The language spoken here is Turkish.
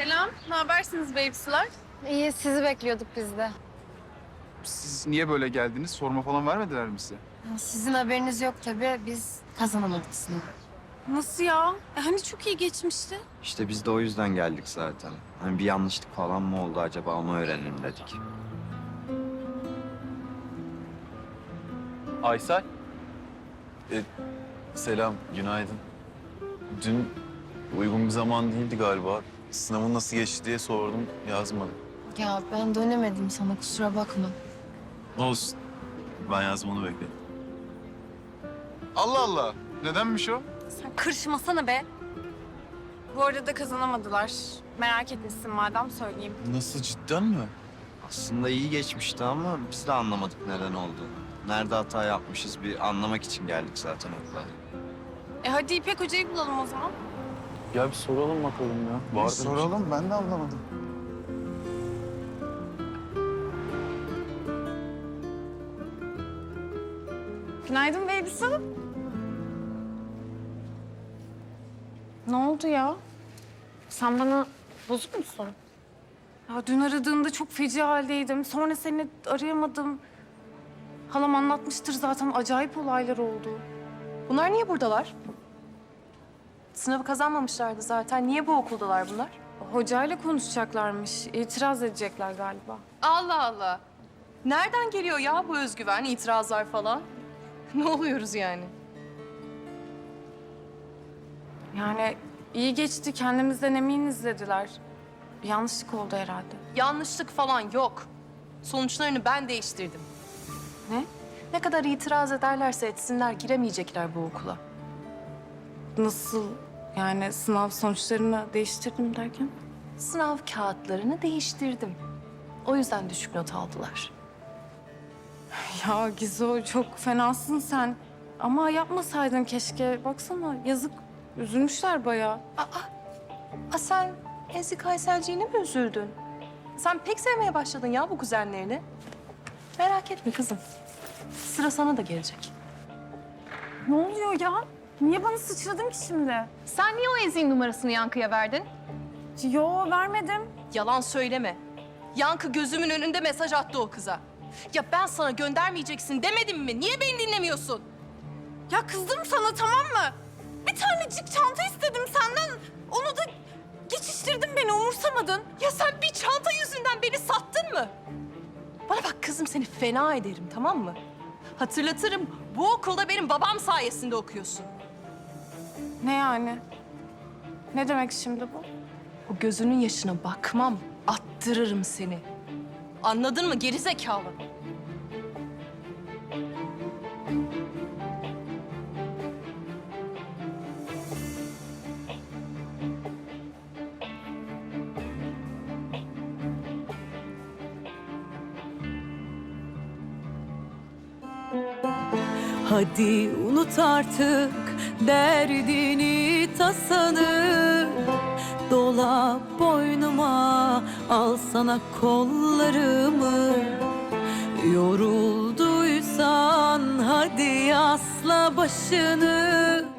Selam, ne habersiniz babes'lar? İyi, sizi bekliyorduk biz de. Siz niye böyle geldiniz? Sorma falan vermediler mi size? Sizin haberiniz yok tabii, biz kazanamadık sınavı. Nasıl ya? Hani çok iyi geçmişti. İşte biz de o yüzden geldik zaten. Hani bir yanlışlık falan mı oldu acaba onu öğrenelim dedik. Aysel. Selam, günaydın. Dün uygun bir zaman değildi galiba. Sınavın nasıl geçti diye sordum, yazmadım. Ya ben dönemedim sana, kusura bakma. Olsun. Ben yazmanı bekledim. Allah Allah. Nedenmiş o? Sen kırışmasana be. Bu arada kazanamadılar. Merak etmişsin madem söyleyeyim. Nasıl, cidden mi? Aslında iyi geçmişti ama biz de anlamadık neden olduğunu. Nerede hata yapmışız bir anlamak için geldik zaten okula. Hadi İpek Hoca'yı bulalım o zaman. Ya bir soralım bakalım ya. Vardır Soralım, ben de anlamadım. Günaydın babes'ım. Ne oldu ya? Sen bana bozuk musun? Ya dün aradığında çok feci haldeydim. Sonra seni arayamadım. Halam anlatmıştır zaten. Acayip olaylar oldu. Bunlar niye buradalar? Sınavı kazanmamışlardı zaten. Niye bu okuldalar bunlar? Hocayla konuşacaklarmış. İtiraz edecekler galiba. Allah Allah. Nereden geliyor ya bu özgüven, itirazlar falan? Ne oluyoruz yani? Yani iyi geçti. Kendimizden eminiz dediler. Bir yanlışlık oldu herhalde. Yanlışlık falan yok. Sonuçlarını ben değiştirdim. Ne? Ne kadar itiraz ederlerse etsinler giremeyecekler bu okula. Nasıl? Yani sınav sonuçlarını değiştirdim derken? Sınav kağıtlarını değiştirdim. O yüzden düşük not aldılar. Ya Gizo çok fenasın sen. Ama yapmasaydın keşke. Baksana yazık. Üzülmüşler bayağı. Sen Ezik Ayselciğine mi üzüldün? Sen pek sevmeye başladın ya bu kuzenlerini. Merak etme kızım. Sıra sana da gelecek. Ne oluyor ya? Niye bana sıçradın ki şimdi? Sen niye o Ezik'in numarasını Yankı'ya verdin? Yo vermedim. Yalan söyleme. Yankı gözümün önünde mesaj attı o kıza. Ya ben sana göndermeyeceksin demedim mi? Niye beni dinlemiyorsun? Ya kızdım sana tamam mı? Bir tanecik çanta istedim senden. Onu da geçiştirdin beni umursamadın. Ya sen bir çanta yüzünden beni sattın mı? Bana bak kızım seni fena ederim tamam mı? Hatırlatırım bu okulda benim babam sayesinde okuyorsun. Ne yani? Ne demek şimdi bu? O gözünün yaşına bakmam, attırırım seni. Anladın mı geri zekalı? Hadi unut artık derdini tasanı, dola boynuma al sana kollarımı. Yorulduysan hadi asla başını,